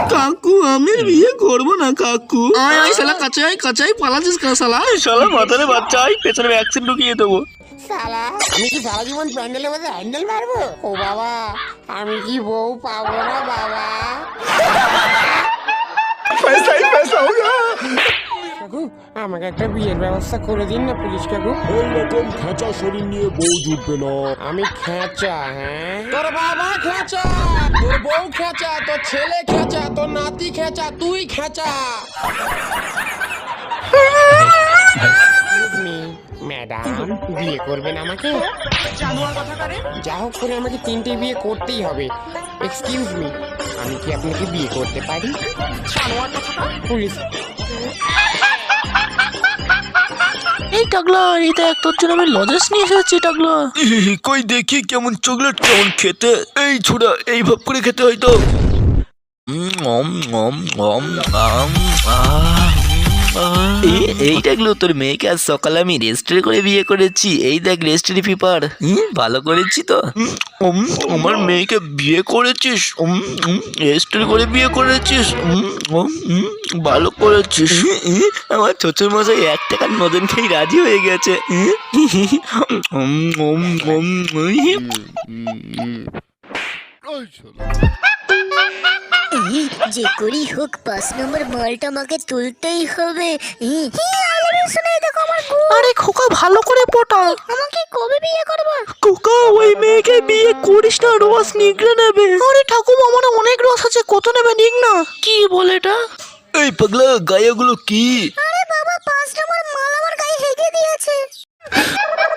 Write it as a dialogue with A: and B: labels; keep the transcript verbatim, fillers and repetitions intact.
A: কাকু আমি আর বিয়ে করবো না কাকু। আয় আয় শালা কাচাই কাচাই পালাচ্ছিস কেন শালা? শালা মাথারে বাচ্চা আয় পেছনে ভ্যাকসিন ঢুকিয়ে দেবো।
B: শালা আমি কি সারা জীবন প্যান্ডেলের মধ্যে হ্যান্ডেল মারবো? ও বাবা আমি কি বউ পাবো না বাবা? কাকু আমাকে একটা বিয়ের ব্যবস্থা করে দিন না পুলিশ কাকু।
C: ওই রকম খেঁচা শরীর নিয়ে বউ জুটবে না।
B: আমি খেঁচা? হ্যাঁ তোর বাবা খেঁচা, তোর বউ খেঁচা, তোর ছেলে খেঁচা, তোর নাতি খেঁচা, তুই খেঁচা। ম্যাডাম বিয়ে করবেন আমাকে? যা হোক করে আমাকে তিনটে বিয়ে করতেই হবে। এক্সকিউজ মি, আমি কি আপনাকে বিয়ে করতে পারি? পুলিশ
A: এই টাকলা এই দেখ তোর জন্য আমি লজেন্স নিয়ে এসেছি টাকলা। কই দেখি কেমন চকলেট কেমন খেতে। এই ছোড়া এই ভাব করে খেতে হয়তো। এই দেখলো তোর মেয়েকে আজ সকালে আমি রেজিস্ট্রি করে বিয়ে করেছি। এই দেখ রেজিস্ট্রি পেপার। ভালো করেছি তো? আমার মেয়েকে বিয়ে করেছিস? রেজিস্ট্রি করে বিয়ে করেছিস? ভালো করেছিস। আমার শ্বশুর মশাই এক টাকার নদন খেয়ে রাজি হয়ে গেছে।
D: যে করি হোক পাঁচ নম্বর মালটা আমাকে তুলতেই হবে।
A: আরে খোকা ভালো করে পটা।
D: আমাকে কবে বিয়ে করবে?
A: খোকা ওই মেয়েকে বিয়ে করিস না, রস নিগড়ে নেবে। আরে ঠাকুমা আমার অনেক রস আছে, কত নেবে নিক না। কি বলে এটা? এই পাগলা গায়েগুলো কি?
D: আরে বাবা পাঁচ নম্বর মাল আমার গায়ে হেগে দিয়েছে।